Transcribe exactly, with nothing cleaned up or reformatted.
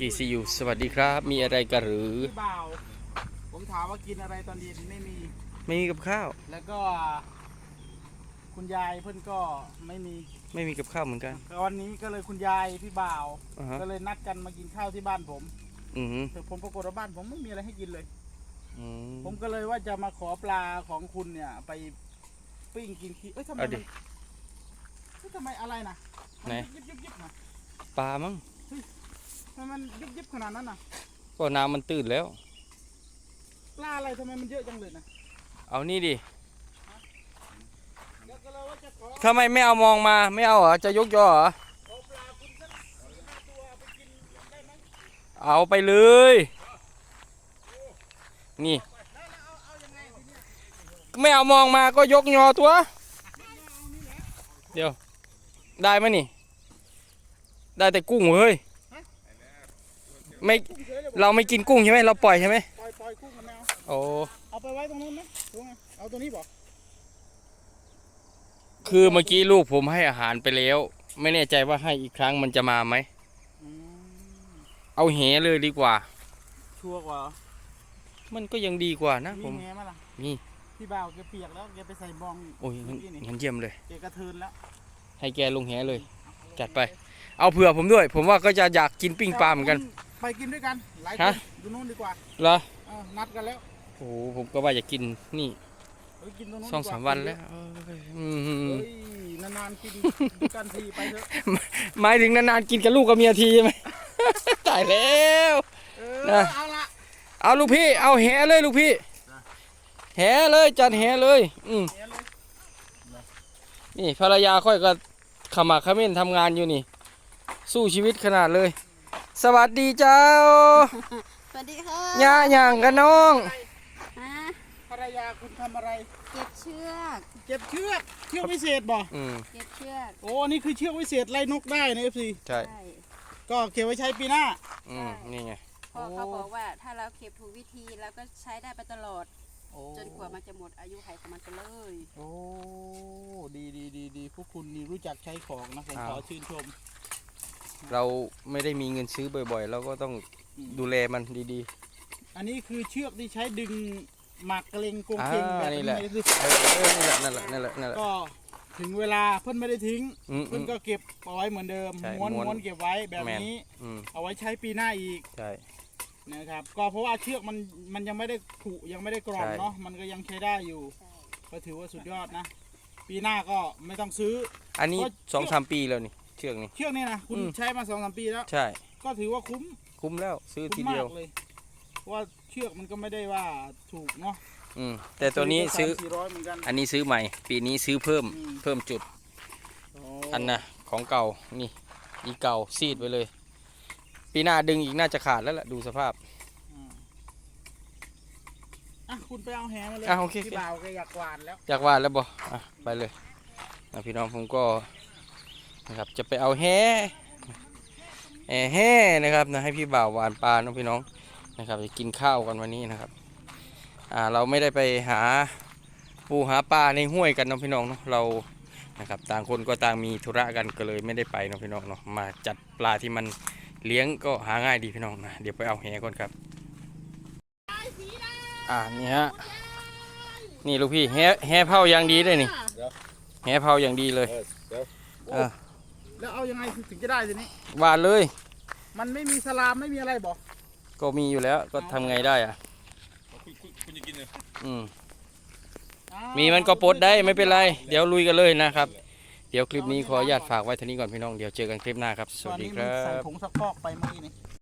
กีซียูสวัสดีครับมีอะไรกันหรือพี่บ่าวผมถามว่ากินอะไรตอนเย็นไม่มีไม่มีกับข้าวแล้วก็คุณยายเพื่อนก็ไม่มีไม่มีกับข้าวเหมือนกันวันนี้ก็เลยคุณยายพี่บ่าวอ่าฮะก็เลยนัดกันมากินข้าวที่บ้านผมอืมแต่ผมปรากฏว่าบ้านผมไม่มีอะไรให้กินเลยอืมผมก็เลยว่าจะมาขอปลาของคุณเนี่ย ไปปิ้งกินทีเอ้ยทำไมเอามัดินเอ้ยทำไมอะไรนะมัไหนยิบยิบยิบนะปลามั้งทำไมมันยิบยิบขนาดนั้นน่ะก็น้ำมันตื้นแล้วปลาอะไรทำไมมันเยอะจังเลยนะเอานี่ดิเดี๋ยวก็เลยว่าจะขอทำไมไม่เอามองมาไม่เอาเหรอจะยกยอเหรอขอปลาคุณสักสี่ห้าตัวไปกินได้ไหมเอาไปเลย นี่แล้วเอาเอายังไงทีเนี้ยไม่เอามองมาก็ยกยอตัว เดี๋ยว ได้ไหมนี่ ได้แต่กุ้งเฮ้ยไม่เราไม่กินกุ้งใช่ไหมเราปล่อยใช่ไหมปล่อยปล่อยกุ้งกันแมวโอ้เอาไปไว้ตรงนู้นไหมตรงไงเอาตัวนี้บอกคือเมื่อกี้ลูกผมให้อาหารไปแล้ว ไม่แน่ใจว่าให้อีกครั้งมันจะมาไหมอืมเอาแหเลยดีกว่าชัวร์กว่ามันก็ยังดีกว่านะมีผมแง่ไหมล่ะนี่พี่บ่าวแกเปียกแล้วแกไปใส่บองโอ้ยงั้นเมื่อกี้นี่งั้นเยี่ยมเลยแกกระเทินแล้วให้แกลงแหเลย จัดไป เอาเผื่อผมด้วย ผมว่าก็จะอยากกินปิ้งปลาเหมือนกันไปกินด้วยกันหลายคฮะนดูนู้นดีกว่าเหรอเออนัดกันแล้วโอ้โหผมก็ว่าจะกินนี่เฮ้ยกินตรงนู้นสองดีกสามวันแล้วเอ้ยอืมเฮ้ยนานๆกินด้วยกันทีไปเถอะหมายถึงนานๆกินกับลูกกับเมียทีใช่ไหม ตายแล้วเออนะเอาละเอาลูกพี่ เอาแหเลยลูกพี่ แหเลยจัดแหเลย อืมเดี๋ยวเลยนี่ภรรยาค่อยก็ขมักเขม้นทำงานอยู่นี่ สู้ชีวิตขนาดเลย สวัสดีเจ้าสวัสดีค่ะย่าหย่างกันน้องฮะภรรยาคุณทำอะไรเก็บเชือกเก็บเชือกเชือกวิเศษบ่อืมเก็บเชือกโอ้นี่คือเชือกวิเศษไล่นกได้นะเอฟซีใช่ใช่ก็เก็บไว้ใช้ปีหน้าอืมนี่ไงเพราะเขาบอกว่าถ้าเราเก็บถูกวิธีแล้วก็ใช้ได้ไปตลอดโอ้จนกว่ามันจะหมดอายุไขของมันไปเลยโอ้ดีดีดีดีพวกคุณนี่รู้จักใช้ของนะผมขอชื่นชมเราไม่ได้มีเงินซื้อบ่อยๆ เราก็ต้องดูแลมันดีอันนี้คือเชือกที่ใช้ดึงหมากกระเลงกงๆอ่าเคงแบบนี่นี้แหละสิเออเออนี่แหละนั่นแหละนั่นแหละนั่นแหละก็ถึงเวลาเพื่อนไม่ได้ทิ้งอืมอืเพื่อนมก็เก็บเอาไว้เหมือนเดิมใช่ม้วนม้วนม้วนเก็บไว้แบบแมนนี้อืมเอาไว้ใช้ปีหน้าอีกใช่นะครับก็เพราะว่าเชือกมันมันยังไม่ได้ผุยังไม่ได้กรอนใช่เนาะมันก็ยังใช้ได้อยู่ใช่ก็ถือว่าสุดยอดนะ ปีหน้าก็ไม่ต้องซื้ออันนี้เพราะสองสามปีแล้วนี่เชือกนี่เชือกนี่นะคุณอืมใช้มาสองสามปีแล้วใช่ก็ถือว่าคุ้มคุ้มแล้วซื้อทีคุ้มเดีมายวกเลยเพราะว่าเชือกมันก็ไม่ได้ว่าถูกเนาะอืมแต่ตัวนี้ซื้อสี่ร้อยเหมือนกันอันนี้ซื้อใหม่ ปีนี้ซื้อเพิ่มอืมเพิ่มจุดโอันน่ะของเก่านี่อีเก่าซีดไปเลย ปีหน้าดึงอีกน่าจะขาดแล้วล่ะดูสภาพอืมอ่ะคุณไปเอาแหมาเลยอ่ะโอเคพี่บ่าวแกอยากหวานแล้วอยากว่าแล้วบ่อ่ะไปเลยนะพี่น้องผมก็นะครับจะไปเอาแห่แห่แห่นะครับนะให้พี่บ่าวหวานปลาน้องพี่น้องนะครับจะกินข้าวกันวันนี้นะครับอ่าเราไม่ได้ไปหาปูหาปลาในห้วยกันน้องพี่น้องเนาะเรานะครับต่างคนก็ต่างมีธุระกันก็เลยไม่ได้ไปน้องพี่น้องเนาะมาจัดปลาที่มันเลี้ยงก็หาง่ายดีพี่น้องนะเดี๋ยวไปเอาแห่ก่อนครับอ่านี่ฮะนี่ลูกพี่แห่แห่เผาอย่างดีเลยนี่แห่เผาอย่างดีเลยเออแล้วเอายังไงถึงจะได้ทีนี้หวานเลยมันไม่มีสลามไม่มีอะไรบอกก็มีอยู่แล้วก็ทำไงได้อ่ะคุณคุณคุณจะกินเลยอืมอ้าวมีมันก็ปลดได้ไม่เป็นไรเดี๋ยวลุยกันเลยนะครับเดี๋ยวคลิปนี้ขออนุญาตฝากไว้เท่านี้ก่อนพี่น้องเดี๋ยวเจอกันคลิปหน้าครับสตอวัน สดีนี้คมันรัใส่บผงซักฟอกไปเมื่อกี้นี่